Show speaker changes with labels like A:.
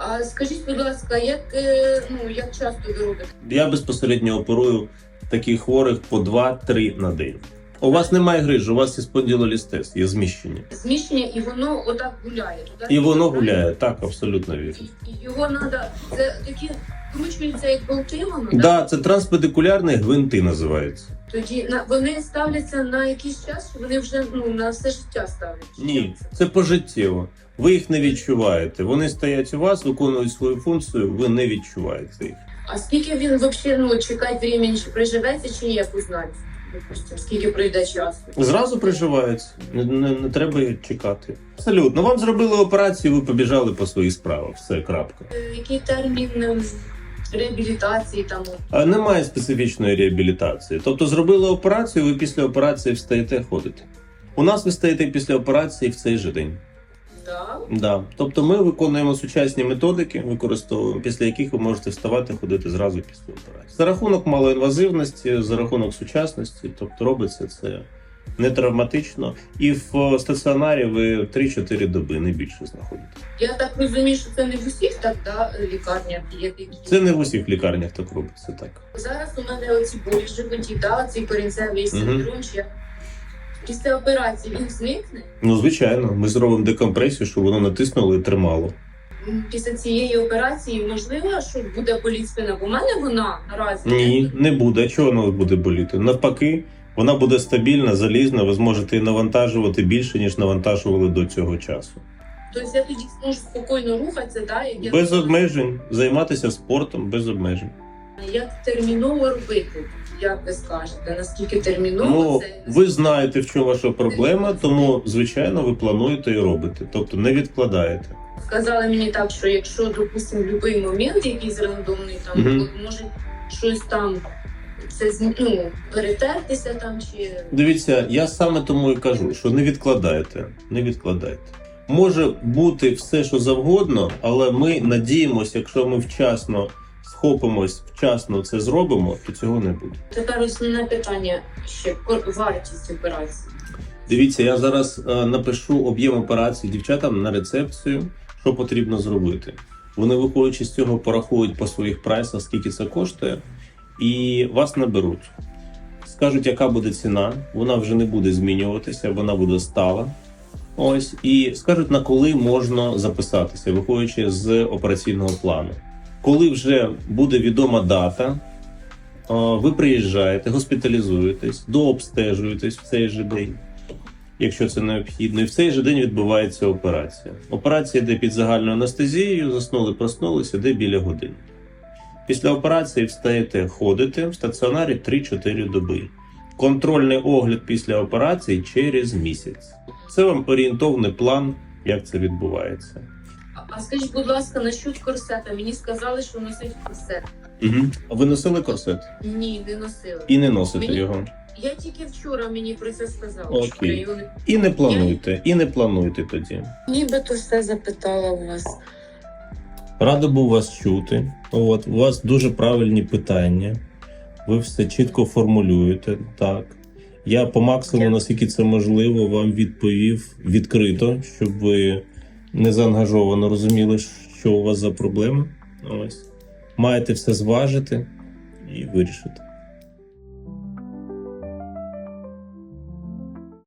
A: А скажіть, будь ласка, як часто ви робите?
B: Я безпосередньо оперую таких хворих по 2-3 на день. У вас немає грижі, у вас є спондилолістез, є зміщення.
A: Зміщення, і воно отак гуляє. Туди?
B: І воно гуляє, так, абсолютно вірно.
A: І його треба, це такі кручуються, як болти, воно,
B: Так, да, це транспедикулярні гвинти називаються.
A: Тоді вони ставляться на якийсь час, чи вони вже на все життя ставлять?
B: Ні, це пожиттєво. Ви їх не відчуваєте. Вони стоять у вас, виконують свою функцію, ви не відчуваєте їх.
A: А скільки він взагалі чекати времени, чи приживеться, чи як узнати? Допустим, скільки пройде часу?
B: Зразу приживається, не треба чекати. Абсолютно. Вам зробили операцію, ви побіжали по своїх справах. Все, крапка.
A: Який термін реабілітації там?
B: Немає специфічної реабілітації. Тобто зробили операцію, ви після операції встаєте ходити. У нас ви стаєте після операції в цей же день.
A: Да?
B: Да. Тобто ми виконуємо сучасні методики, використовуємо, після яких ви можете вставати, ходити зразу після операції. За рахунок малоінвазивності, за рахунок сучасності, тобто робиться це не травматично. І в стаціонарі ви 3-4 доби, не більше знаходитесь.
A: Я так розумію, що це не в усіх так, лікарнях є такі.
B: Це не в усіх лікарнях так робиться, так.
A: Зараз у мене оці болі в животі, цей корінцевий синдром, чи після операції він зникне?
B: Ну, звичайно, ми зробимо декомпресію, щоб воно натиснуло і тримало.
A: Після цієї операції можливо, що буде боліти спина? Бо в мене вона наразі...
B: Ні, не буде. Чого воно буде боліти? Навпаки, вона буде стабільна, залізна, ви зможете її навантажувати більше, ніж навантажували до цього часу.
A: Тобто я тоді зможу спокійно рухатися, так?
B: Без обмежень, займатися спортом без обмежень.
A: Як терміново робити? Як ви скажете, наскільки терміново це?
B: Ви знаєте, в чому ваша проблема, тому, звичайно, ви плануєте і робите. Тобто не відкладаєте.
A: Сказали мені так, що якщо, допустимо, в будь-який момент якийсь рандомний там, може щось там перетертися там чи...
B: Дивіться, я саме тому і кажу, що не відкладайте. Не відкладайте. Може бути все, що завгодно, але ми надіємося, якщо ми вчасно схопимось, вчасно це зробимо, то цього не буде.
A: Тепер основне питання ще вартість операції.
B: Дивіться, я зараз напишу об'єм операції дівчатам на рецепцію, що потрібно зробити. Вони, виходячи з цього, порахують по своїх прайсах, скільки це коштує, і вас наберуть. Скажуть, яка буде ціна, вона вже не буде змінюватися, вона буде стала. Ось, і скажуть, на коли можна записатися, виходячи з операційного плану. Коли вже буде відома дата, ви приїжджаєте, госпіталізуєтесь, дообстежуєтесь в цей же день, якщо це необхідно, і в цей же день відбувається операція. Операція йде під загальною анестезією, заснули, проснулися, йде біля години. Після операції встаєте, ходите в стаціонарі 3-4 доби. Контрольний огляд після операції через місяць. Це вам орієнтовний план, як це відбувається.
A: А скажіть, будь ласка, насчет корсета. Мені сказали, що носить корсет.
B: А ви носили корсет?
A: Ні, не носила.
B: І не носите його?
A: Я тільки вчора мені про це сказали.
B: Окей.
A: Що я його не...
B: І не плануйте тоді.
A: Нібито все запитала у вас.
B: Радий був вас чути. У вас дуже правильні питання. Ви все чітко формулюєте. Так. Я по максимуму, наскільки це можливо, вам відповів відкрито, щоб ви не заангажовано розуміли, що у вас за проблеми. Ось. Маєте все зважити і вирішити.